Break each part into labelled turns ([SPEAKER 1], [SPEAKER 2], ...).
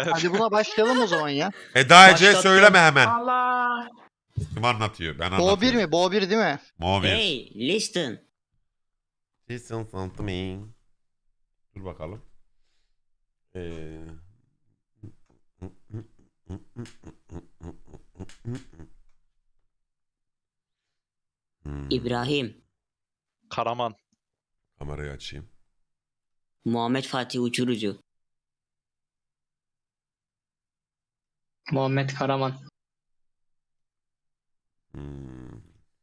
[SPEAKER 1] Hadi buna başlayalım o zaman ya.
[SPEAKER 2] Eda Ece
[SPEAKER 3] Başlattım.
[SPEAKER 2] söyleme hemen.
[SPEAKER 4] Allah.
[SPEAKER 2] Kim anlatıyor? Ben
[SPEAKER 1] Bo 1
[SPEAKER 2] anlatıyorum.
[SPEAKER 1] mi? Bo 1 değil mi?
[SPEAKER 2] Mo 1.
[SPEAKER 5] Hey, listen.
[SPEAKER 2] Listen something. Dur bakalım.
[SPEAKER 5] İbrahim.
[SPEAKER 3] Karaman.
[SPEAKER 2] Kamerayı açayım.
[SPEAKER 5] Muhammed Fatih Uçurucu.
[SPEAKER 3] Muhammed Karaman.
[SPEAKER 2] Hmm.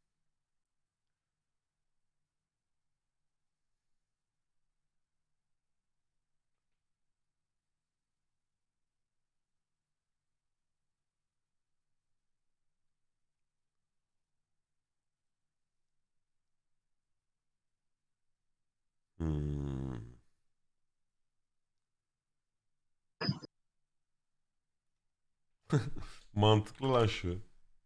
[SPEAKER 2] Hmm. Mantıklı lan şu.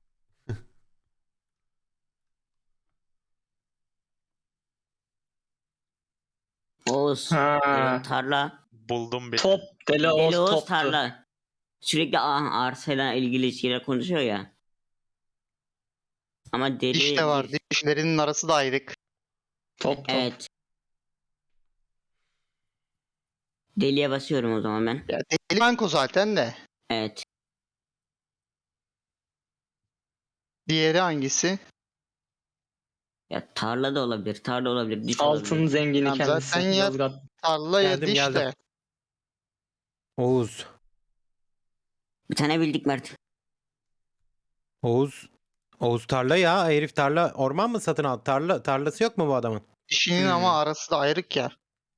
[SPEAKER 5] Oğuz.
[SPEAKER 3] Ha.
[SPEAKER 5] Elon Tarla.
[SPEAKER 3] Buldum bir.
[SPEAKER 6] Top. Deli Oğuz
[SPEAKER 5] Deli Oğuz
[SPEAKER 6] toptu.
[SPEAKER 5] Tarla. Sürekli arsayla ilgili şeyler konuşuyor ya. Ama deli...
[SPEAKER 1] Diş de var. Dişlerinin arası da ayrık.
[SPEAKER 6] Top.
[SPEAKER 5] Evet. Deliye basıyorum o zaman ben.
[SPEAKER 1] Ya deli banko zaten de.
[SPEAKER 5] Evet.
[SPEAKER 1] Diğeri hangisi?
[SPEAKER 5] Ya tarla da olabilir, tarla olabilir, diş
[SPEAKER 6] Altın
[SPEAKER 5] olabilir.
[SPEAKER 6] zengini
[SPEAKER 1] Tamam,
[SPEAKER 6] kendisi.
[SPEAKER 1] zaten ya-
[SPEAKER 6] Yozgat.
[SPEAKER 1] Tarla ya
[SPEAKER 7] Geldim,
[SPEAKER 1] diş
[SPEAKER 7] geldim.
[SPEAKER 1] de.
[SPEAKER 7] Oğuz.
[SPEAKER 5] Bir tane bildik Mert.
[SPEAKER 7] Oğuz. Oğuz tarla ya. Herif tarla. Orman mı satın aldı? Tarlası yok mu bu adamın?
[SPEAKER 1] Dişinin
[SPEAKER 6] Hmm.
[SPEAKER 1] ama arası da ayrık ya.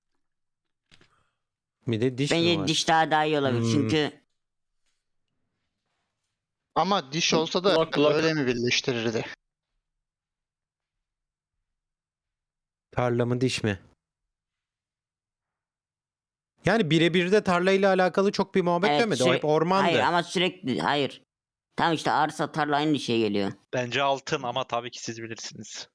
[SPEAKER 7] Bir de diş mi
[SPEAKER 5] Bence
[SPEAKER 7] var?
[SPEAKER 5] diş daha iyi olabilir
[SPEAKER 7] Hmm.
[SPEAKER 5] çünkü
[SPEAKER 1] Ama diş olsa da
[SPEAKER 6] Blok, blok.
[SPEAKER 1] öyle mi birleştirirdi?
[SPEAKER 7] Tarla mı diş mi? Yani birebir de tarlayla alakalı çok bir muhabbet
[SPEAKER 5] Evet,
[SPEAKER 7] dönmedi. O hep ormandı.
[SPEAKER 5] hayır ama sürekli hayır. Tam işte arsa tarla aynı şey geliyor.
[SPEAKER 3] Bence altın ama tabii ki siz bilirsiniz.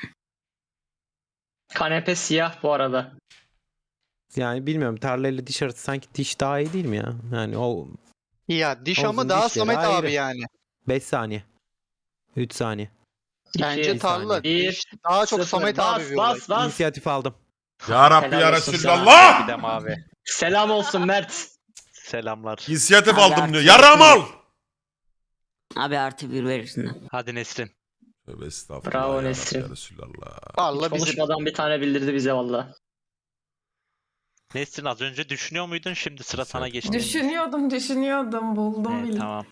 [SPEAKER 6] Kanepe siyah bu arada.
[SPEAKER 7] Yani bilmiyorum, tarlayla diş arası sanki diş daha iyi değil mi ya? Yani o
[SPEAKER 1] Ya diş
[SPEAKER 7] Oğuz'un
[SPEAKER 1] ama daha
[SPEAKER 7] dişleri
[SPEAKER 1] Samet
[SPEAKER 7] ayrı.
[SPEAKER 1] abi yani.
[SPEAKER 7] 5 saniye. 3 saniye.
[SPEAKER 1] Bence
[SPEAKER 6] İki.
[SPEAKER 1] tarla.
[SPEAKER 7] saniye.
[SPEAKER 1] Diş daha çok
[SPEAKER 6] Sıfır.
[SPEAKER 1] Samet abi
[SPEAKER 6] Bas
[SPEAKER 1] bir olay.
[SPEAKER 6] bas bas.
[SPEAKER 7] İnisiyatif aldım.
[SPEAKER 2] Ya Rabbi
[SPEAKER 6] Helal
[SPEAKER 2] ya
[SPEAKER 6] olsun
[SPEAKER 2] Resulallah!
[SPEAKER 3] Bir de mavi.
[SPEAKER 6] Selam olsun Mert.
[SPEAKER 3] Selamlar.
[SPEAKER 2] İnisiyatif
[SPEAKER 5] Abi
[SPEAKER 2] aldım
[SPEAKER 5] artık
[SPEAKER 2] diyor. Yaram al!
[SPEAKER 5] Abi artı bir verirsin.
[SPEAKER 3] Hadi Nesrin.
[SPEAKER 2] Tövbe estağfurullah
[SPEAKER 6] Bravo
[SPEAKER 2] ya Rabbi
[SPEAKER 6] Nesrin.
[SPEAKER 2] ya Resulallah.
[SPEAKER 1] Tarla
[SPEAKER 6] Hiç
[SPEAKER 1] bizim.
[SPEAKER 6] konuşmadan bir tane bildirdi bize valla.
[SPEAKER 3] Nesrin az önce düşünüyor muydun? Şimdi sıra sana geçti.
[SPEAKER 4] Düşünüyordum. Buldum
[SPEAKER 3] Evet,
[SPEAKER 4] bildim.
[SPEAKER 3] tamam.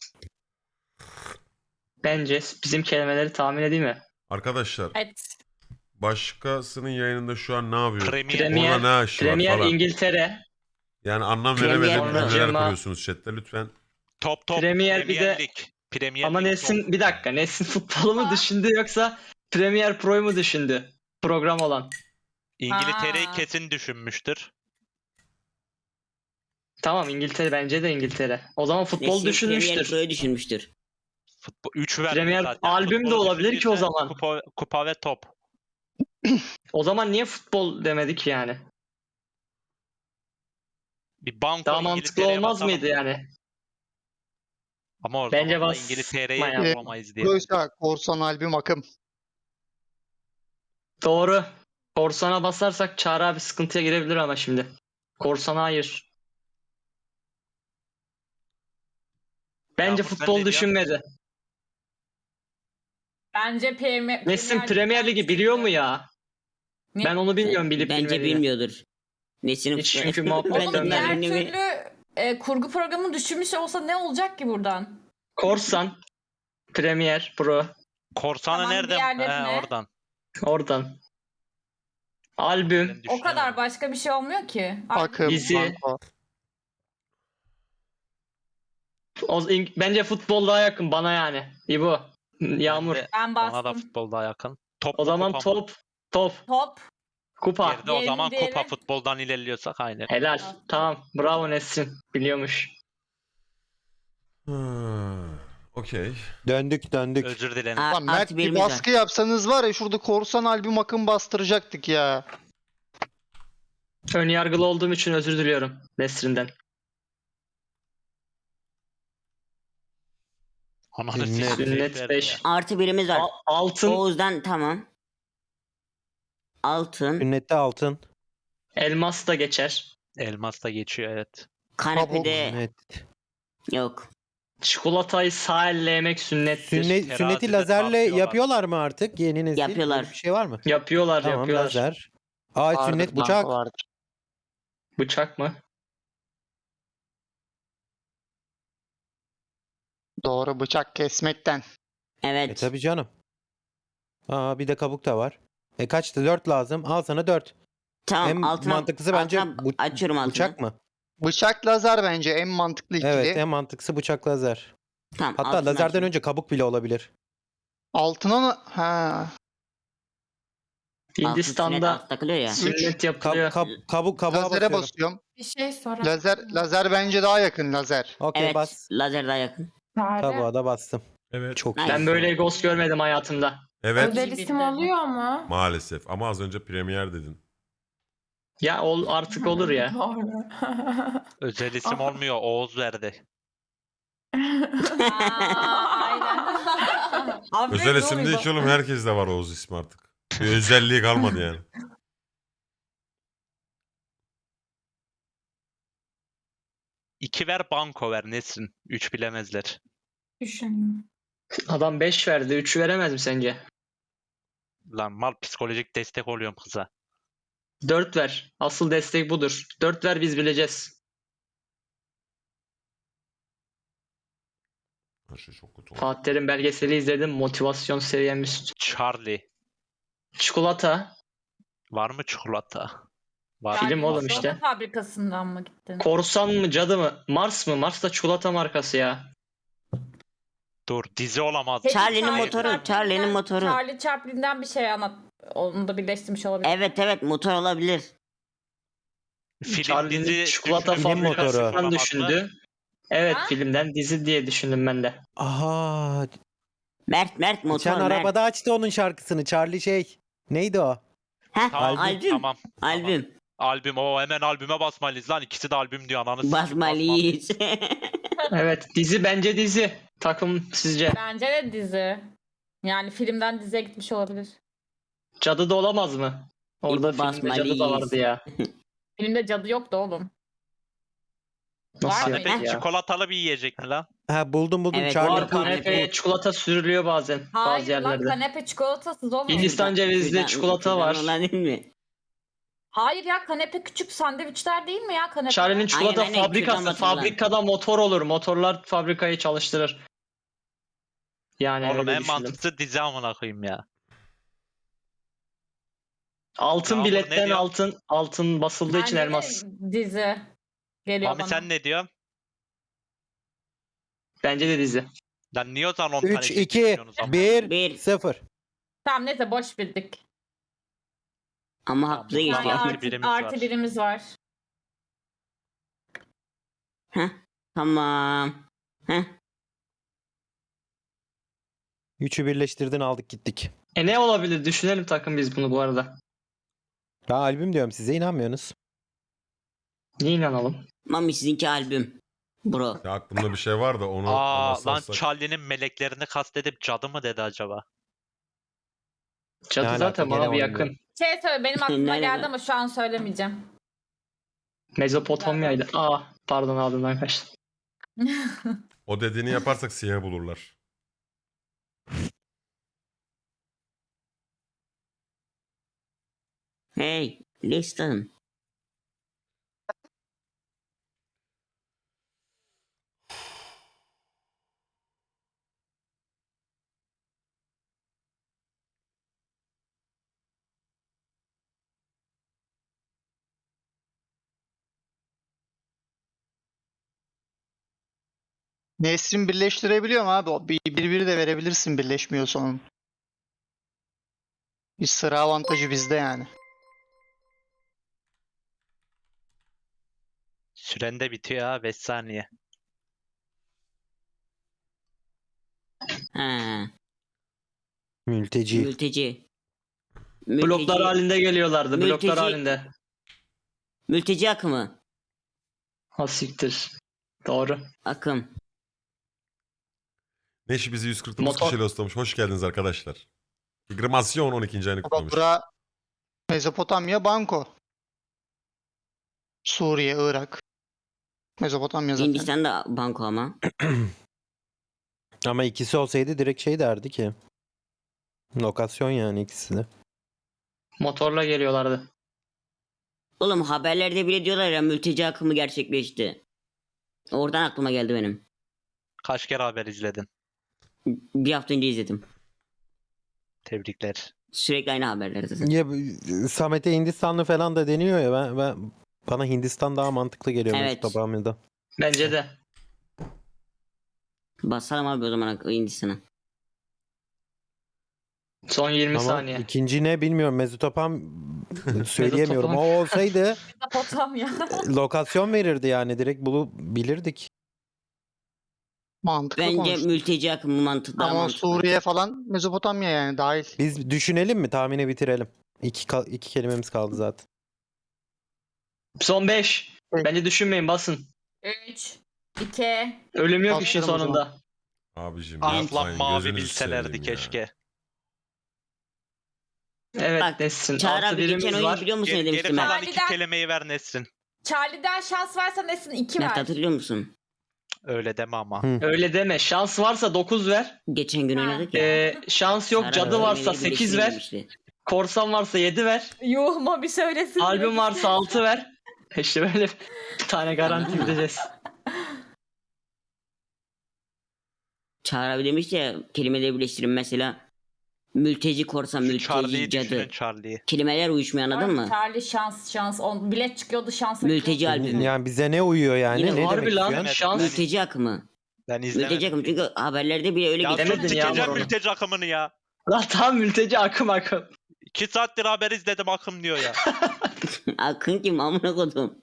[SPEAKER 6] Bence bizim kelimeleri tahmin edeyim mi?
[SPEAKER 2] Arkadaşlar
[SPEAKER 4] Evet.
[SPEAKER 2] başkasının yayınında şu an ne yapıyor?
[SPEAKER 3] Premier.
[SPEAKER 2] Orada ne işi var
[SPEAKER 6] Premier
[SPEAKER 2] falan.
[SPEAKER 6] İngiltere.
[SPEAKER 2] Yani anlam
[SPEAKER 5] Premier
[SPEAKER 2] veremediğim
[SPEAKER 5] Pro.
[SPEAKER 2] cümleler
[SPEAKER 6] Cema.
[SPEAKER 2] kuruyorsunuz chatte lütfen.
[SPEAKER 3] Top.
[SPEAKER 6] Premier bir de-
[SPEAKER 3] Lig. Premier
[SPEAKER 6] Ama
[SPEAKER 3] Lig
[SPEAKER 6] Nesin
[SPEAKER 3] top.
[SPEAKER 6] bir dakika. Nesin futbolu mu düşündü yoksa Premier Pro'yu mu düşündü? Program olan.
[SPEAKER 3] İngiltere'yi
[SPEAKER 4] Ha.
[SPEAKER 3] kesin düşünmüştür.
[SPEAKER 6] Tamam İngiltere, bence de İngiltere. O zaman futbol
[SPEAKER 5] Nesin Premier
[SPEAKER 6] düşünmüştür.
[SPEAKER 5] Pro'yu düşünmüştür.
[SPEAKER 3] Futbol 3 verdi
[SPEAKER 6] Premier
[SPEAKER 3] zaten.
[SPEAKER 6] albüm de
[SPEAKER 3] Futbolu
[SPEAKER 6] olabilir ki o
[SPEAKER 3] düşündüyse
[SPEAKER 6] zaman.
[SPEAKER 3] Kupa ve top.
[SPEAKER 6] O zaman niye futbol demedik yani?
[SPEAKER 3] Bir banko
[SPEAKER 6] Daha mantıklı
[SPEAKER 3] İngiltere'ye
[SPEAKER 6] olmaz
[SPEAKER 3] basalım
[SPEAKER 6] mıydı
[SPEAKER 3] mı?
[SPEAKER 6] yani?
[SPEAKER 3] Ama o
[SPEAKER 6] Bence
[SPEAKER 3] zaman da
[SPEAKER 6] bas-
[SPEAKER 3] İngiltere'yi
[SPEAKER 6] Bayağı.
[SPEAKER 3] bulamayız diye.
[SPEAKER 1] Proysa korsan albüm akım.
[SPEAKER 6] Doğru. Korsan'a basarsak Çağrı abi sıkıntıya girebilir ama şimdi. Korsan'a hayır. Bence
[SPEAKER 3] Yağmur, sen ne
[SPEAKER 6] futbol
[SPEAKER 3] diyorsun?
[SPEAKER 6] düşünmedi.
[SPEAKER 4] Bence
[SPEAKER 6] Nesin Premier Ligi biliyor mu ya?
[SPEAKER 4] Ne?
[SPEAKER 6] Ben onu bilmiyorum bilip
[SPEAKER 5] Bence
[SPEAKER 6] bilmediğini.
[SPEAKER 5] bilmiyordur. Nesin'in
[SPEAKER 6] Hiç
[SPEAKER 5] futbol-
[SPEAKER 6] çünkü muhabbet
[SPEAKER 5] Ben de
[SPEAKER 4] Oğlum diğer
[SPEAKER 6] dönmedi.
[SPEAKER 5] bilmiyorum.
[SPEAKER 4] türlü kurgu programı düşünmüş olsa ne olacak ki buradan?
[SPEAKER 6] Korsan, Premier, Pro.
[SPEAKER 3] Korsanı
[SPEAKER 4] Tamam,
[SPEAKER 3] nereden?
[SPEAKER 4] diğerleri ne?
[SPEAKER 3] Oradan.
[SPEAKER 6] Oradan. Albüm.
[SPEAKER 3] Ben
[SPEAKER 4] O kadar
[SPEAKER 3] düşünüyorum.
[SPEAKER 4] başka bir şey olmuyor ki.
[SPEAKER 1] Akım,
[SPEAKER 6] Dizi.
[SPEAKER 1] banko.
[SPEAKER 6] Bence futbol daha yakın bana yani. İbo. Yağmur.
[SPEAKER 3] Ben de-
[SPEAKER 4] Ben
[SPEAKER 3] Bana da
[SPEAKER 4] bastım.
[SPEAKER 3] futbol daha yakın. Top
[SPEAKER 6] O
[SPEAKER 3] mu,
[SPEAKER 6] zaman
[SPEAKER 3] kupa mı?
[SPEAKER 6] top. Top.
[SPEAKER 4] Top.
[SPEAKER 6] Kupa.
[SPEAKER 3] Geride o zaman
[SPEAKER 4] Diğeri-
[SPEAKER 3] kupa futboldan ilerliyorsak aynı.
[SPEAKER 6] Helal. Tamam. Bravo Nesrin. Biliyormuş.
[SPEAKER 2] Okey.
[SPEAKER 7] Döndük.
[SPEAKER 3] Özür dilerim.
[SPEAKER 1] Lan Mert
[SPEAKER 5] Artı
[SPEAKER 1] bir
[SPEAKER 5] birimiz var.
[SPEAKER 1] baskı yapsanız var ya şurada korsan albüm akım bastıracaktık ya.
[SPEAKER 6] Önyargılı olduğum için özür diliyorum Nesrin'den.
[SPEAKER 3] Ananı
[SPEAKER 7] Sünnet.
[SPEAKER 3] sikeyim,
[SPEAKER 6] Sünnet
[SPEAKER 3] verdi
[SPEAKER 6] 5.
[SPEAKER 3] ya.
[SPEAKER 5] Artı birimiz var.
[SPEAKER 6] Altın,
[SPEAKER 5] Oğuz'dan tamam. Altın.
[SPEAKER 7] Sünnette altın.
[SPEAKER 6] elmas da geçer.
[SPEAKER 3] Elmas da geçiyor evet.
[SPEAKER 5] Kanepede
[SPEAKER 7] Sünnet.
[SPEAKER 5] yok.
[SPEAKER 6] Çikolatayı sağ elle yemek sünnettir.
[SPEAKER 7] Sünneti
[SPEAKER 3] Terazide
[SPEAKER 7] lazerle
[SPEAKER 3] tartıyorlar.
[SPEAKER 7] yapıyorlar mı artık? Yeni nesil.
[SPEAKER 5] Yapıyorlar.
[SPEAKER 7] Böyle bir şey var mı?
[SPEAKER 6] Yapıyorlar,
[SPEAKER 7] Tamam
[SPEAKER 6] yapıyorlar.
[SPEAKER 7] lazer. Aa
[SPEAKER 1] Vardır,
[SPEAKER 7] sünnet
[SPEAKER 1] banko
[SPEAKER 7] bıçak.
[SPEAKER 1] vardır.
[SPEAKER 6] Bıçak mı?
[SPEAKER 1] Doğru, bıçak kesmekten.
[SPEAKER 5] Evet.
[SPEAKER 7] Tabii canım. Aa bir de kabuk da var. Kaçtı? 4 lazım. Al sana 4.
[SPEAKER 5] Tamam
[SPEAKER 7] En
[SPEAKER 5] altına,
[SPEAKER 7] mantıklısı bence
[SPEAKER 5] altına açıyorum altını.
[SPEAKER 7] bıçak mı?
[SPEAKER 1] Bıçak lazer bence en mantıklı ikili.
[SPEAKER 7] Evet en mantıklısı bıçak lazer.
[SPEAKER 5] Tamam,
[SPEAKER 7] Hatta
[SPEAKER 5] altını
[SPEAKER 7] lazerden
[SPEAKER 5] açıyorum.
[SPEAKER 7] önce kabuk bile olabilir.
[SPEAKER 1] Altına mı? Ha.
[SPEAKER 5] Altın
[SPEAKER 6] Hindistan'da
[SPEAKER 5] sünnet alt takılıyor ya.
[SPEAKER 6] sünnet yapılıyor.
[SPEAKER 7] Kabuğa
[SPEAKER 1] Lazere
[SPEAKER 7] basıyorum.
[SPEAKER 1] basıyorum.
[SPEAKER 4] Bir şey sorayım.
[SPEAKER 1] Lazer bence daha yakın lazer.
[SPEAKER 7] Okey
[SPEAKER 5] Evet.
[SPEAKER 7] bas.
[SPEAKER 5] Lazer daha yakın.
[SPEAKER 7] Kabuğa da bastım.
[SPEAKER 2] Evet.
[SPEAKER 7] Çok
[SPEAKER 5] Nice.
[SPEAKER 7] iyi.
[SPEAKER 6] Ben böyle ghost görmedim hayatımda.
[SPEAKER 2] Evet.
[SPEAKER 4] Özel isim oluyor mu?
[SPEAKER 2] Maalesef. Ama az önce premier dedin.
[SPEAKER 6] Ya artık olur ya.
[SPEAKER 4] Doğru.
[SPEAKER 3] Özel isim olmuyor. Oğuz verdi.
[SPEAKER 4] Aynen.
[SPEAKER 2] Özel isim değil ki oğlum. Herkes de var Oğuz ismi artık. Bir özelliği kalmadı yani.
[SPEAKER 3] İki ver banko ver Nesrin. 3 bilemezler.
[SPEAKER 4] Düşünüyorum.
[SPEAKER 6] Adam 5 verdi. 3'ü veremez mi sence?
[SPEAKER 3] Lan mal psikolojik destek oluyorum kıza.
[SPEAKER 6] 4 ver. Asıl destek budur. 4 ver biz bileceğiz.
[SPEAKER 2] Her şey çok kötü oldu.
[SPEAKER 6] Fatih Terim belgeseli izledim. Motivasyon seviyemiz.
[SPEAKER 3] Charlie.
[SPEAKER 6] Çikolata.
[SPEAKER 3] Var mı çikolata? Var.
[SPEAKER 6] Film oğlum
[SPEAKER 4] Çikolata
[SPEAKER 6] işte.
[SPEAKER 4] fabrikasından mı gittin?
[SPEAKER 6] Korsan mı cadı mı? Mars mı? Mars da çikolata markası ya.
[SPEAKER 3] Dur dizi olamaz.
[SPEAKER 4] Peki,
[SPEAKER 5] Charlie'nin
[SPEAKER 3] Hayır.
[SPEAKER 5] motoru.
[SPEAKER 4] Chaplin'den-
[SPEAKER 5] Charlie'nin motoru.
[SPEAKER 4] Charlie Chaplin'den bir şey anlat. Onu da birleştirmiş olabilir.
[SPEAKER 5] Evet motor olabilir.
[SPEAKER 3] Film
[SPEAKER 6] Charlie'nin
[SPEAKER 3] dizi
[SPEAKER 6] çikolata
[SPEAKER 3] düşünün.
[SPEAKER 7] Film motoru.
[SPEAKER 6] fabrikasından
[SPEAKER 3] Olamaz mı?
[SPEAKER 6] düşündü. Evet
[SPEAKER 4] Ha?
[SPEAKER 6] filmden dizi diye düşündüm ben de.
[SPEAKER 7] Aha.
[SPEAKER 5] Mert motor.
[SPEAKER 7] Geçen
[SPEAKER 5] Mert.
[SPEAKER 7] arabada açtı onun şarkısını. Charlie şey. Neydi o?
[SPEAKER 5] Heh,
[SPEAKER 3] Tamam,
[SPEAKER 5] albüm.
[SPEAKER 3] Tamam.
[SPEAKER 5] Albüm.
[SPEAKER 3] Albüm o hemen albüme basmalıyız lan. İkisi de albüm diyor ananı sikeyim,
[SPEAKER 5] Basmalıyız.
[SPEAKER 6] Evet dizi bence dizi. Takım sizce.
[SPEAKER 4] Bence de dizi. Yani filmden diziye gitmiş olabilir.
[SPEAKER 6] Cadı da olamaz mı? Orada
[SPEAKER 5] İbo
[SPEAKER 6] filmde cadı da
[SPEAKER 5] basmalıyız.
[SPEAKER 6] vardı ya.
[SPEAKER 4] Filmde cadı yoktu oğlum.
[SPEAKER 6] Nasıl
[SPEAKER 4] Var
[SPEAKER 6] yani
[SPEAKER 4] mı?
[SPEAKER 3] Kanepe
[SPEAKER 6] ya?
[SPEAKER 3] çikolatalı bir yiyecek mi lan?
[SPEAKER 7] Ha buldum
[SPEAKER 5] Evet,
[SPEAKER 7] Charlie.
[SPEAKER 5] var
[SPEAKER 6] Var kanepeye çikolata sürülüyor bazen bazı
[SPEAKER 4] Hayır lan
[SPEAKER 6] yerlerde.
[SPEAKER 4] kanepe çikolatasız oğlum.
[SPEAKER 6] Hindistan cevizli
[SPEAKER 5] Şuradan-
[SPEAKER 6] çikolata
[SPEAKER 5] şuradan
[SPEAKER 6] var.
[SPEAKER 5] olan değil mi?
[SPEAKER 4] Hayır ya kanepe küçük sandviçler değil mi ya kanepe?
[SPEAKER 6] Charlie'nin çikolata
[SPEAKER 5] Aynen, aynen,
[SPEAKER 6] fabrikası.
[SPEAKER 5] şuradan batılan.
[SPEAKER 6] Fabrikada motor olur. Motorlar fabrikayı çalıştırır. Yani
[SPEAKER 3] Oğlum
[SPEAKER 6] öyle
[SPEAKER 3] en
[SPEAKER 6] düşündüm.
[SPEAKER 3] mantıklısı dizi amına koyayım ya.
[SPEAKER 6] Altın
[SPEAKER 3] Yağmur ne
[SPEAKER 6] biletten
[SPEAKER 3] diyor?
[SPEAKER 6] altın basıldığı için
[SPEAKER 4] Bence de
[SPEAKER 6] elmas.
[SPEAKER 4] dizi geliyor
[SPEAKER 3] Mami
[SPEAKER 4] bana.
[SPEAKER 3] sen ne diyorsun?
[SPEAKER 6] Bence de dizi.
[SPEAKER 3] Lan niye o zaman 10 tane
[SPEAKER 7] 3,
[SPEAKER 3] şey
[SPEAKER 7] 2,
[SPEAKER 3] düşünüyorsunuz amına?
[SPEAKER 7] 1,
[SPEAKER 5] Bir.
[SPEAKER 7] 0.
[SPEAKER 4] Tamam neyse boş bildik.
[SPEAKER 5] Ama
[SPEAKER 3] Tamam,
[SPEAKER 5] haklı
[SPEAKER 3] bu
[SPEAKER 5] geçti.
[SPEAKER 4] Yani
[SPEAKER 3] Artı
[SPEAKER 4] artı
[SPEAKER 3] birimiz
[SPEAKER 4] artı
[SPEAKER 3] var.
[SPEAKER 4] birimiz var.
[SPEAKER 5] Heh, tamam. Heh.
[SPEAKER 7] 3'ü birleştirdin aldık gittik.
[SPEAKER 6] Ne olabilir? Düşünelim takım biz bunu bu arada.
[SPEAKER 7] Ben albüm diyorum size inanmıyorsunuz.
[SPEAKER 6] Niye inanalım?
[SPEAKER 5] Mami sizinki albüm. Bro.
[SPEAKER 2] Ya aklımda bir şey var da onu
[SPEAKER 3] Aa lan
[SPEAKER 2] anlatsak.
[SPEAKER 3] Charlie'nin meleklerini kastedip cadı mı dedi acaba?
[SPEAKER 6] Cadı
[SPEAKER 7] Ne
[SPEAKER 6] zaten
[SPEAKER 7] alaka?
[SPEAKER 6] bana
[SPEAKER 7] Gene
[SPEAKER 6] bir
[SPEAKER 7] onu
[SPEAKER 6] yakın.
[SPEAKER 4] Şey söyle benim aklıma
[SPEAKER 5] Nerede?
[SPEAKER 4] geldi ama şu an söylemeyeceğim.
[SPEAKER 6] Mezopotamya'ydı. Pardon ağzımdan kaçtı.
[SPEAKER 2] O dediğini yaparsak siyah bulurlar.
[SPEAKER 5] Hey. Listen.
[SPEAKER 1] Nesrin birleştirebiliyor mu abi? Bir de verebilirsin birleşmiyorsa onun. Bir sıra avantajı bizde yani.
[SPEAKER 3] Süren de bitiyor ha 5 saniye.
[SPEAKER 5] Ha.
[SPEAKER 7] Mülteci.
[SPEAKER 5] Mülteci.
[SPEAKER 6] Bloklar halinde geliyorlardı. Bloklar
[SPEAKER 5] Mülteci-
[SPEAKER 6] halinde.
[SPEAKER 5] Mülteci akımı.
[SPEAKER 6] Ha siktir. Doğru.
[SPEAKER 5] Akım.
[SPEAKER 2] Neşi bizi 149
[SPEAKER 6] Motor.
[SPEAKER 2] kişiyle ıslamış. Hoş geldiniz arkadaşlar. Grimasyon 12. ayını kutlamış.
[SPEAKER 1] Bura Mezopotamya, Banko. Suriye, Irak. Mezopotamya zaten.
[SPEAKER 5] Hindistan da banko ama.
[SPEAKER 7] Ama ikisi olsaydı direkt şey derdi ki. Lokasyon yani ikisi de.
[SPEAKER 6] Motorla geliyorlardı.
[SPEAKER 5] Oğlum haberlerde bile diyorlar ya mülteci akımı gerçekleşti. Oradan aklıma geldi benim.
[SPEAKER 3] Kaç kere haber izledin?
[SPEAKER 5] Bir hafta önce izledim.
[SPEAKER 3] Tebrikler.
[SPEAKER 5] Sürekli aynı haberler zaten.
[SPEAKER 7] Ya Samet'e Hindistanlı falan da deniyor ya bana Hindistan daha mantıklı geliyor
[SPEAKER 5] Evet.
[SPEAKER 7] Mesut.
[SPEAKER 6] Bence de.
[SPEAKER 5] Basalım abi o zaman Hindistan'a.
[SPEAKER 6] Son 20
[SPEAKER 7] Ama
[SPEAKER 6] saniye.
[SPEAKER 7] ikinci ne bilmiyorum. Mesutopam söyleyemiyorum. O olsaydı
[SPEAKER 4] Mezopotamya.
[SPEAKER 7] lokasyon verirdi yani direkt bilirdik.
[SPEAKER 1] Mantıklı
[SPEAKER 5] Bence
[SPEAKER 1] konuştun.
[SPEAKER 5] mülteci akımı mantıklı. Daha
[SPEAKER 1] Ama
[SPEAKER 5] mantıklı.
[SPEAKER 1] Suriye falan Mezopotamya yani dahil.
[SPEAKER 7] Biz düşünelim mi? Tahmini bitirelim. İki kelimemiz kaldı zaten.
[SPEAKER 6] Son 5.
[SPEAKER 1] Evet.
[SPEAKER 6] Bence düşünmeyin basın.
[SPEAKER 4] 3, 2,
[SPEAKER 6] Ölüm yok işin
[SPEAKER 1] Basıyorum o zaman.
[SPEAKER 6] sonunda.
[SPEAKER 2] Abicim
[SPEAKER 3] Ah lan
[SPEAKER 2] yapmayın.
[SPEAKER 3] mavi
[SPEAKER 2] Gözünüzü
[SPEAKER 3] bilselerdi
[SPEAKER 2] seveyim ya.
[SPEAKER 3] keşke.
[SPEAKER 6] Evet
[SPEAKER 5] Bak,
[SPEAKER 6] Nesrin.
[SPEAKER 5] Çağrı
[SPEAKER 6] Artı
[SPEAKER 5] abi geçen
[SPEAKER 6] birimiz
[SPEAKER 5] oyunu
[SPEAKER 6] var.
[SPEAKER 5] biliyor musun ne
[SPEAKER 3] Geri
[SPEAKER 5] demiştim ben?
[SPEAKER 3] kalan iki
[SPEAKER 4] Harbiden.
[SPEAKER 3] kelimeyi ver Nesrin.
[SPEAKER 4] Charlie'den şans varsa Nesin 2
[SPEAKER 5] Mert
[SPEAKER 4] ver.
[SPEAKER 5] hatırlıyor musun?
[SPEAKER 3] Öyle deme ama.
[SPEAKER 7] Hı.
[SPEAKER 6] Öyle deme. Şans varsa 9 ver.
[SPEAKER 5] Geçen gün
[SPEAKER 4] Ha.
[SPEAKER 5] oynadık ya.
[SPEAKER 6] Şans yok.
[SPEAKER 5] Çağrı
[SPEAKER 6] Cadı
[SPEAKER 5] abi
[SPEAKER 6] varsa
[SPEAKER 5] kelimeleri
[SPEAKER 6] 8
[SPEAKER 5] birleştirin
[SPEAKER 6] ver.
[SPEAKER 5] demişti.
[SPEAKER 6] Korsan varsa 7 ver.
[SPEAKER 4] Yuh Mami söylesin.
[SPEAKER 6] Albüm varsa 6 ver. İşte böyle bir tane garanti gideceğiz.
[SPEAKER 5] Çağrı abi demişti ya kelimeleri birleştirin mesela. Mülteci korsan,
[SPEAKER 3] Şu
[SPEAKER 5] mülteci
[SPEAKER 3] Charlie'yi
[SPEAKER 5] cadı.
[SPEAKER 3] düşünün Charlie'yi.
[SPEAKER 5] Kelimeler uyuşmuyor anladın mı?
[SPEAKER 4] Charlie şans. Bilet çıkıyordu şansa.
[SPEAKER 5] Mülteci albümü.
[SPEAKER 7] Yani bize ne uyuyor yani?
[SPEAKER 5] Yine
[SPEAKER 7] ne
[SPEAKER 6] harbi
[SPEAKER 7] demek
[SPEAKER 6] lan,
[SPEAKER 7] istiyorsun?
[SPEAKER 6] şans.
[SPEAKER 5] Mülteci akımı.
[SPEAKER 3] Ben
[SPEAKER 5] Mülteci
[SPEAKER 3] izlemedim.
[SPEAKER 5] akımı çünkü haberlerde bile öyle
[SPEAKER 3] Ya
[SPEAKER 5] geçiyor.
[SPEAKER 3] sus
[SPEAKER 6] Demedin ya
[SPEAKER 3] sikeceğim
[SPEAKER 6] onu.
[SPEAKER 3] mülteci akımını ya.
[SPEAKER 6] Lan tam mülteci akım.
[SPEAKER 3] 2 saattir haber izledim akım diyor ya.
[SPEAKER 5] Akın kim amına kodum.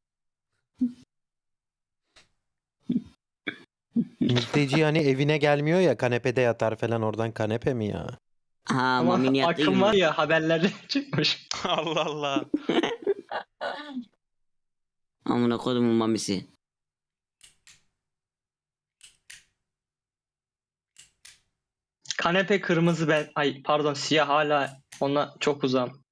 [SPEAKER 7] Mülteci yani evine gelmiyor ya kanepede yatar falan oradan kanepe mi ya?
[SPEAKER 5] Ha
[SPEAKER 6] Ama
[SPEAKER 5] Mami'nin yattığı
[SPEAKER 6] akım
[SPEAKER 5] gibi.
[SPEAKER 6] var ya haberlerde çıkmış.
[SPEAKER 3] Allah Allah.
[SPEAKER 5] Amına kodumun mamisi.
[SPEAKER 6] Kanepe kırmızı ben. Ay pardon siyah hala ona çok uzağım.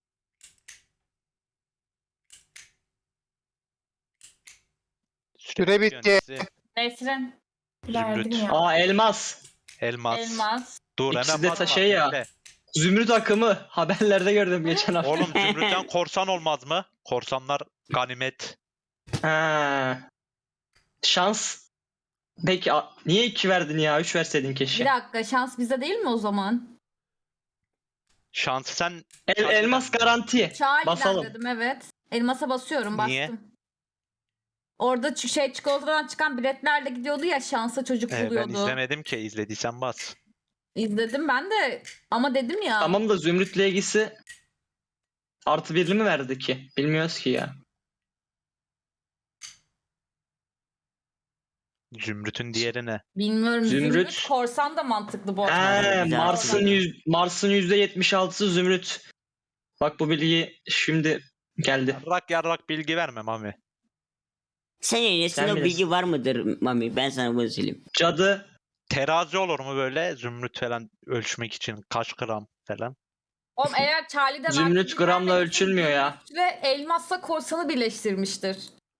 [SPEAKER 1] Süre bitti.
[SPEAKER 4] Nesrin.
[SPEAKER 3] Zümrüt.
[SPEAKER 4] ya.
[SPEAKER 6] Aa elmas.
[SPEAKER 3] Elmas.
[SPEAKER 4] Elmas.
[SPEAKER 3] Dur
[SPEAKER 6] İkisi
[SPEAKER 3] hemen
[SPEAKER 6] de
[SPEAKER 3] bakma,
[SPEAKER 6] şey ya.
[SPEAKER 3] bekle.
[SPEAKER 6] Zümrüt akımı haberlerde gördüm geçen hafta.
[SPEAKER 3] Oğlum Zümrüt'ten korsan olmaz mı? Korsanlar ganimet.
[SPEAKER 6] Ha. Şans. Peki niye 2 verdin ya? 3 verseydin
[SPEAKER 4] Bir
[SPEAKER 6] keşke.
[SPEAKER 4] dakika şans bize değil mi o zaman?
[SPEAKER 3] Şans sen
[SPEAKER 6] Elmas garanti.
[SPEAKER 4] Charlie'den
[SPEAKER 6] Basalım.
[SPEAKER 4] dedim evet. Elmasa basıyorum bastım.
[SPEAKER 3] Niye?
[SPEAKER 4] Orada çikolatadan çıkan biletlerle gidiyordu ya şansa çocuk
[SPEAKER 3] ben
[SPEAKER 4] buluyordu.
[SPEAKER 3] izlemedim ki izlediysen bas.
[SPEAKER 4] İzledim ben de ama dedim ya.
[SPEAKER 6] Tamam da Zümrüt'le ilgisi artı birli mi verdi ki? Bilmiyoruz ki ya.
[SPEAKER 3] Zümrüt'ün diğeri ne?
[SPEAKER 4] Bilmiyorum.
[SPEAKER 6] Zümrüt.
[SPEAKER 4] Zümrüt korsan da mantıklı bu arada.
[SPEAKER 6] He,
[SPEAKER 5] güzel.
[SPEAKER 6] Mars'ın %76'sı Zümrüt. Bak bu bilgi şimdi geldi.
[SPEAKER 3] Yarrak bilgi verme Mami.
[SPEAKER 5] Senin
[SPEAKER 6] Sen
[SPEAKER 5] o
[SPEAKER 6] bilirsin.
[SPEAKER 5] bilgi var mıdır Mami? Ben sana bunu söyleyeyim.
[SPEAKER 6] Cadı
[SPEAKER 3] Terazi olur mu böyle Zümrüt falan ölçmek için kaç gram falan?
[SPEAKER 4] Oğlum eğer Charlie'den
[SPEAKER 6] Zümrüt
[SPEAKER 4] artı
[SPEAKER 6] gramla
[SPEAKER 4] birlerle
[SPEAKER 6] ölçülmüyor ya.
[SPEAKER 4] Ve elmasla korsanı birleştirmiştir.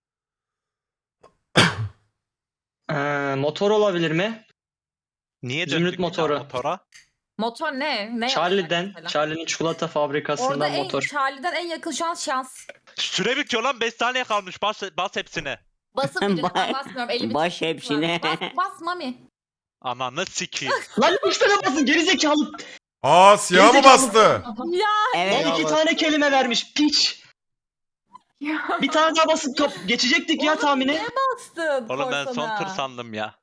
[SPEAKER 6] Motor olabilir mi?
[SPEAKER 3] Niye
[SPEAKER 6] Zümrüt
[SPEAKER 3] döndük bir daha
[SPEAKER 6] motoru.
[SPEAKER 3] motora?
[SPEAKER 4] Motor ne? Ne
[SPEAKER 6] Charlie'den,
[SPEAKER 4] yapacak mesela?
[SPEAKER 6] Charlie'nin çikolata
[SPEAKER 4] Orada
[SPEAKER 6] fabrikasından motor.
[SPEAKER 4] Charlie'den en yakın şu an şans.
[SPEAKER 3] Süre bitiyor lan 5 saniye kalmış bas hepsine.
[SPEAKER 4] Basıp bir
[SPEAKER 5] Ba-
[SPEAKER 4] ben basmıyorum. Elimi
[SPEAKER 5] baş
[SPEAKER 4] tutuyorum.
[SPEAKER 5] hepsine.
[SPEAKER 4] Bas Mami.
[SPEAKER 3] Ananı sikeyim.
[SPEAKER 6] Lan 3 tane basın gerizekalı.
[SPEAKER 2] Aa siyah mı
[SPEAKER 6] Gerizekalı.
[SPEAKER 2] bastı?
[SPEAKER 4] Ya.
[SPEAKER 5] Evet.
[SPEAKER 6] Lan 2 tane kelime vermiş piç.
[SPEAKER 4] Ya.
[SPEAKER 6] Bir tane daha basıp geçecektik ya
[SPEAKER 4] Oğlum,
[SPEAKER 6] tahmini.
[SPEAKER 4] niye bastın
[SPEAKER 3] Oğlum ben son
[SPEAKER 4] korsana?
[SPEAKER 3] tur sandım ya.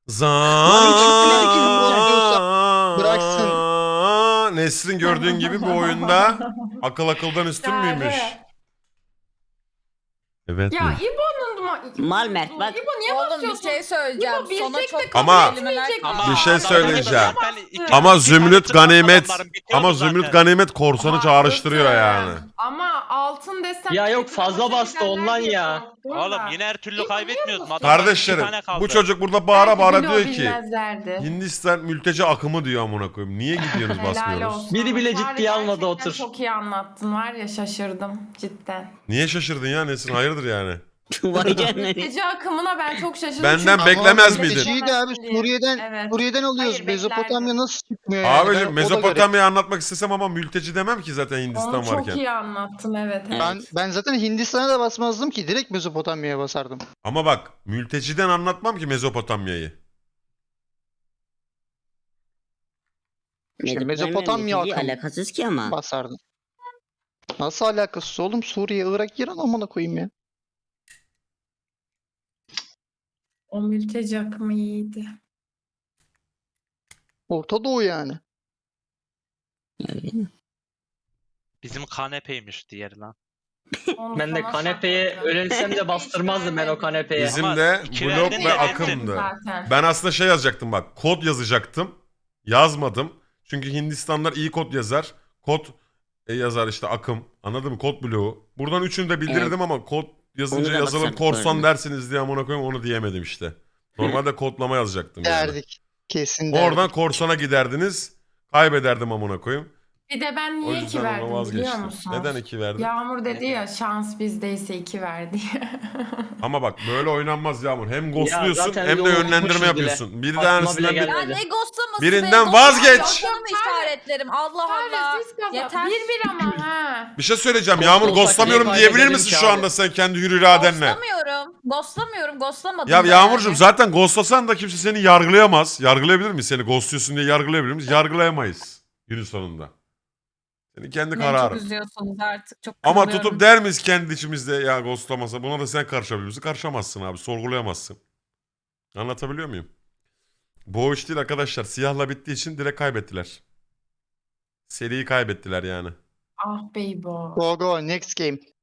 [SPEAKER 2] Bıraksın. Nesrin gördüğün gibi bu oyunda akıl akıldan üstün müymüş? Evet
[SPEAKER 8] Ya
[SPEAKER 2] mi?
[SPEAKER 8] İbo'nun ama
[SPEAKER 5] Mal Mert bak.
[SPEAKER 8] İbo niye
[SPEAKER 4] Oğlum bir
[SPEAKER 8] basıyorsun?
[SPEAKER 4] şey söyleyeceğim.
[SPEAKER 8] İbo,
[SPEAKER 4] Sona
[SPEAKER 8] bilecek
[SPEAKER 4] çok
[SPEAKER 8] de
[SPEAKER 2] Ama-
[SPEAKER 4] kelimeler
[SPEAKER 2] Bir şey
[SPEAKER 3] adamlar
[SPEAKER 2] söyleyeceğim.
[SPEAKER 3] zaten iki-
[SPEAKER 2] Ama
[SPEAKER 3] iki
[SPEAKER 2] Zümrüt
[SPEAKER 3] tane
[SPEAKER 2] Ganimet
[SPEAKER 3] adamların bitiyordu
[SPEAKER 2] ama
[SPEAKER 3] zaten.
[SPEAKER 2] Zümrüt Ganimet korsanı
[SPEAKER 8] Haklısın.
[SPEAKER 2] çağrıştırıyor yani.
[SPEAKER 8] Ama altın desem...
[SPEAKER 6] Ya yok,
[SPEAKER 8] sekiz
[SPEAKER 6] fazla
[SPEAKER 8] başa
[SPEAKER 6] bastı
[SPEAKER 8] giderler
[SPEAKER 6] ondan
[SPEAKER 8] diye
[SPEAKER 6] ya.
[SPEAKER 8] korktum
[SPEAKER 3] Oğlum
[SPEAKER 8] da.
[SPEAKER 3] yine her türlü
[SPEAKER 8] İbo, niye
[SPEAKER 3] kaybetmiyoruz.
[SPEAKER 8] basıyorsun?
[SPEAKER 3] Adamlar iki
[SPEAKER 2] Kardeşlerim
[SPEAKER 3] tane kaldı.
[SPEAKER 2] bu çocuk burada bağıra
[SPEAKER 8] Belki
[SPEAKER 2] bağıra
[SPEAKER 8] bile o
[SPEAKER 2] diyor ki
[SPEAKER 8] bilmezlerdi.
[SPEAKER 2] Hindistan mülteci akımı diyor amına koyayım. Niye gidiyorsunuz
[SPEAKER 8] Helal
[SPEAKER 2] basmıyoruz?
[SPEAKER 8] olsun.
[SPEAKER 6] Biri bile
[SPEAKER 8] Çağrı,
[SPEAKER 6] ciddiye almadı,
[SPEAKER 8] gerçekten
[SPEAKER 6] otur.
[SPEAKER 8] Çok iyi anlattın var ya, şaşırdım cidden.
[SPEAKER 2] Niye şaşırdın ya Nesin? Hayırdır yani?
[SPEAKER 5] Vay canına.
[SPEAKER 8] Gece akımına ben çok şaşırdım.
[SPEAKER 2] Benden
[SPEAKER 8] çünkü-
[SPEAKER 2] beklemez
[SPEAKER 8] Ama
[SPEAKER 2] miydin?
[SPEAKER 1] Mülteciyi de abi
[SPEAKER 8] diye.
[SPEAKER 1] Suriye'den
[SPEAKER 8] Evet.
[SPEAKER 1] Suriye'den alıyoruz.
[SPEAKER 8] Hayır,
[SPEAKER 1] Mezopotamya
[SPEAKER 8] beklerdim.
[SPEAKER 1] nasıl çıkmıyor yani? Ben
[SPEAKER 2] Abicim
[SPEAKER 1] o da
[SPEAKER 2] Mezopotamya'yı anlatmak istesem ama mülteci demem ki zaten Hindistan
[SPEAKER 8] Onu çok
[SPEAKER 2] varken.
[SPEAKER 8] iyi anlattın, evet.
[SPEAKER 5] Evet.
[SPEAKER 1] Ben zaten Hindistan'a da basmazdım ki. Direkt Mezopotamya'ya basardım.
[SPEAKER 2] Ama bak mülteciden anlatmam ki Mezopotamya'yı.
[SPEAKER 1] İşte
[SPEAKER 5] Mezopotamya
[SPEAKER 1] Mezopotamya
[SPEAKER 5] mülteci
[SPEAKER 1] akım
[SPEAKER 5] alakasız ki ama.
[SPEAKER 1] basardım. Nasıl alakası oğlum? Suriye, Irak, İran amına koyayım ya.
[SPEAKER 8] O mülteci akımı iyiydi.
[SPEAKER 1] Orta Doğu yani.
[SPEAKER 5] Öyle mi?
[SPEAKER 3] Bizim kanepeymiş diğeri lan.
[SPEAKER 8] Onu
[SPEAKER 6] Ben de
[SPEAKER 8] sana
[SPEAKER 6] kanepeye
[SPEAKER 8] sakladım.
[SPEAKER 6] ölensem de bastırmazdım ben o kanepeye.
[SPEAKER 2] Bizim
[SPEAKER 3] Ama
[SPEAKER 2] de
[SPEAKER 3] iki
[SPEAKER 2] blok
[SPEAKER 3] verdin
[SPEAKER 2] ve
[SPEAKER 3] de
[SPEAKER 2] akımdı.
[SPEAKER 8] Zaten.
[SPEAKER 2] Ben aslında şey yazacaktım bak. Kod yazacaktım. Yazmadım. Çünkü Hindistanlar iyi kod yazar. Kod yazar işte akım. Anladın mı? Kod bloğu. Buradan üçünü de bildirdim ama kod yazınca
[SPEAKER 5] Onu da
[SPEAKER 2] yazılım
[SPEAKER 5] basardık
[SPEAKER 2] korsan
[SPEAKER 5] böyle.
[SPEAKER 2] dersiniz diye amına koyayım onu diyemedim işte. Normalde kodlama yazacaktım yani.
[SPEAKER 1] Derdik. Kesin derdik.
[SPEAKER 2] Oradan korsana giderdiniz. Kaybederdim amına koyayım.
[SPEAKER 8] Bir de ben
[SPEAKER 2] O
[SPEAKER 8] niye 2
[SPEAKER 2] yüzden ona
[SPEAKER 8] verdim biliyor
[SPEAKER 2] vazgeçtim.
[SPEAKER 8] musun?
[SPEAKER 2] Neden 2 verdin?
[SPEAKER 8] Yağmur dedi ya şans bizdeyse 2 verdi.
[SPEAKER 2] Ama bak böyle oynanmaz Yağmur. Hem ghostluyorsun
[SPEAKER 6] zaten
[SPEAKER 2] hem de
[SPEAKER 6] yolunu
[SPEAKER 2] yönlendirme
[SPEAKER 6] bulmuşuz
[SPEAKER 2] yapıyorsun. Bir
[SPEAKER 6] Aklıma bile
[SPEAKER 2] tanesinden
[SPEAKER 6] gelmedi.
[SPEAKER 4] Ya ne ghostlaması
[SPEAKER 2] Birinden
[SPEAKER 4] be?
[SPEAKER 2] vazgeç.
[SPEAKER 4] Ghostlamayı işaretlerim. Allah Allah. Yeter.
[SPEAKER 8] 1-1 ama ha.
[SPEAKER 2] bir şey söyleyeceğim.
[SPEAKER 6] Ghost
[SPEAKER 2] Yağmur
[SPEAKER 6] olsak
[SPEAKER 2] ghostlamıyorum
[SPEAKER 6] niye
[SPEAKER 2] diyebilir
[SPEAKER 6] kaybedelim
[SPEAKER 2] misin
[SPEAKER 6] ki
[SPEAKER 2] şu
[SPEAKER 6] abi?
[SPEAKER 2] anda sen kendi hür iradenle?
[SPEAKER 4] Ghostlamıyorum. Ghostlamadım.
[SPEAKER 2] Ya
[SPEAKER 4] da
[SPEAKER 2] Yağmurcuğum
[SPEAKER 4] yani.
[SPEAKER 2] zaten ghostlasan da kimse seni yargılayamaz. Yargılayabilir miyiz? Seni ghostluyorsun diye yargılayabilir miyiz? Yargılayamayız günün sonunda. Senin kendi
[SPEAKER 4] Beni çok
[SPEAKER 2] kararın.
[SPEAKER 4] üzüyorsunuz artık. Çok
[SPEAKER 2] Ama
[SPEAKER 4] kırılıyorum.
[SPEAKER 2] tutup der miyiz kendi içimizde ya ghostlamasa? Buna da sen karışabilir misin? Karışamazsın abi. Sorgulayamazsın. Anlatabiliyor muyum? Bu o iş değil arkadaşlar. Siyahla bittiği için direkt kaybettiler. Seriyi kaybettiler yani.
[SPEAKER 8] Ah beybo.
[SPEAKER 1] Go go next game.